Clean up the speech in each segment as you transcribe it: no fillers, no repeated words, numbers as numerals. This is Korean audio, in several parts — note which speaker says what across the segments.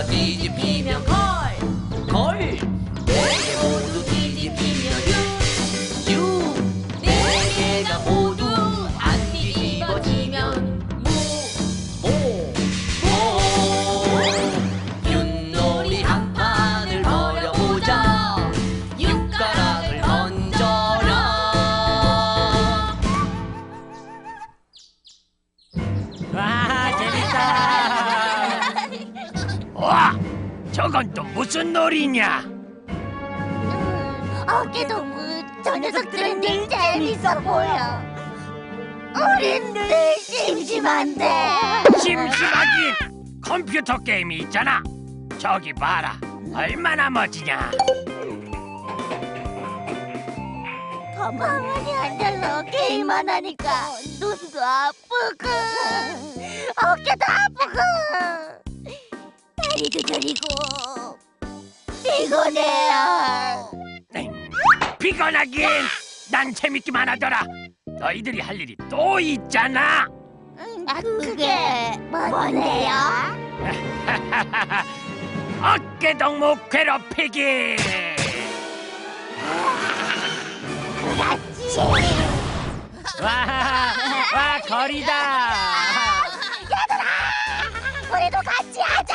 Speaker 1: 개가 뒤집히면 걸. 네 개 모두 뒤집히면 유. 네 개가 모두 안 뒤집어지면 모. 윷놀이 한 판을 벌여보자. 육가락을 던져라.
Speaker 2: 와, 재밌다. 와, 저건 또 무슨 놀이냐?
Speaker 3: 어깨동무 저 녀석들은 늘 재밌어 보여. 우린 늘 심심한데.
Speaker 2: 심심하긴. 컴퓨터 게임이 있잖아. 저기 봐라. 얼마나 멋지냐.
Speaker 3: 가만히 앉아서 게임만 하니까 눈도 아프고 어깨도 아프고 다리도 저리고 피곤해요.
Speaker 2: 피곤하긴. 난 재밌기만 하더라. 너희들이 할 일이 또 있잖아.
Speaker 3: 그게 뭔데요?
Speaker 2: 어깨동무 괴롭히기.
Speaker 3: 그렇지.
Speaker 2: 와, 거리다.
Speaker 3: 우리도 같이 하자.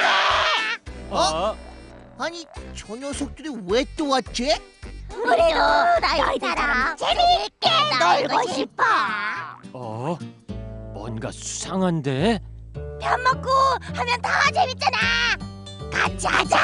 Speaker 4: 아니 저 녀석들이 왜 또 왔지?
Speaker 3: 우리도 너희처럼 재미있게 놀고 싶어.
Speaker 2: 뭔가 수상한데?
Speaker 3: 밥 먹고 하면 더 재밌잖아. 같이 하자.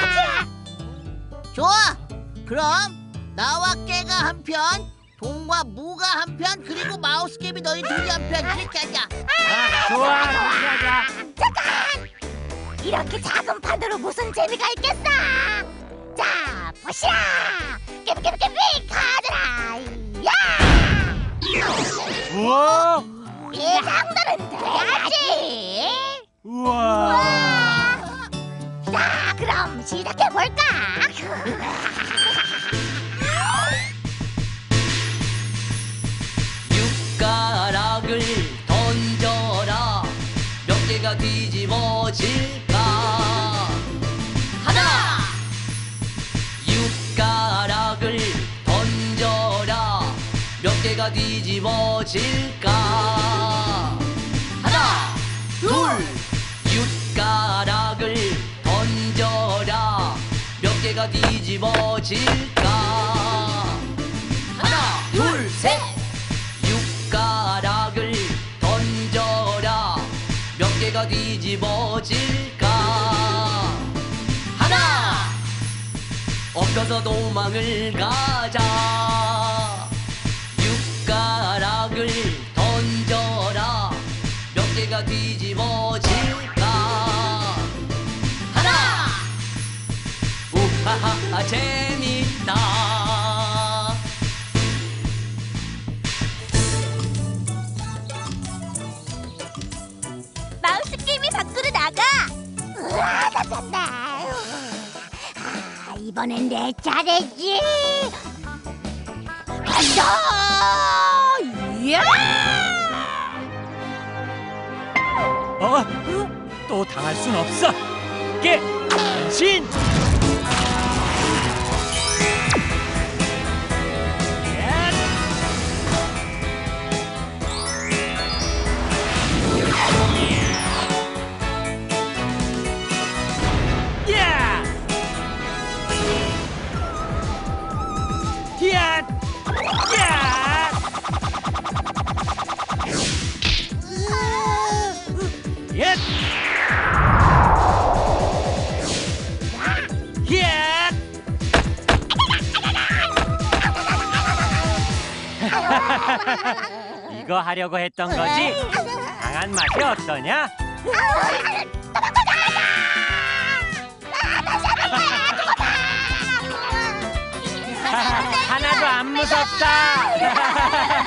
Speaker 4: 좋아. 그럼 나와 깨가 한 편, 동과 무가 한 편, 그리고 마우스캡이 너희 둘이 한 편 이렇게 하자.
Speaker 2: 좋아, 하자.
Speaker 3: 잠깐! 이렇게 작은 판으로 무슨 재미가 있겠어? 자, 보시라! 깨비깨비깨비 가져라! 야!
Speaker 2: 우와,
Speaker 3: 이 정도는 돼야지!
Speaker 2: 우와.
Speaker 3: 자, 그럼 시작해볼까?
Speaker 1: 육가락을 던져라. 몇 개가 뒤집어질까? 하나. 육가락을 던져라. 몇 개가 뒤집어질까? 하나, 둘. 육가락을 던져라. 몇 개가 뒤집어질까? 하나, 둘, 셋. 육가락을 던져라. 몇 개가 뒤집어질까? 하나. 엎혀서 도망을 가자. 육가락을 던져라. 몇 개가 뒤집어질까? 하나. 우하하 재밌다.
Speaker 3: 마우스 게임이 밖으로 나가! 우와, 잡혔다! 이번엔 내 차례지! 간다! 야!
Speaker 2: 또 당할 순 없어. 깨, 변신. 이거 하려고 했던 거지? 강한 맛이 어떠냐? 하나도 안 무섭다.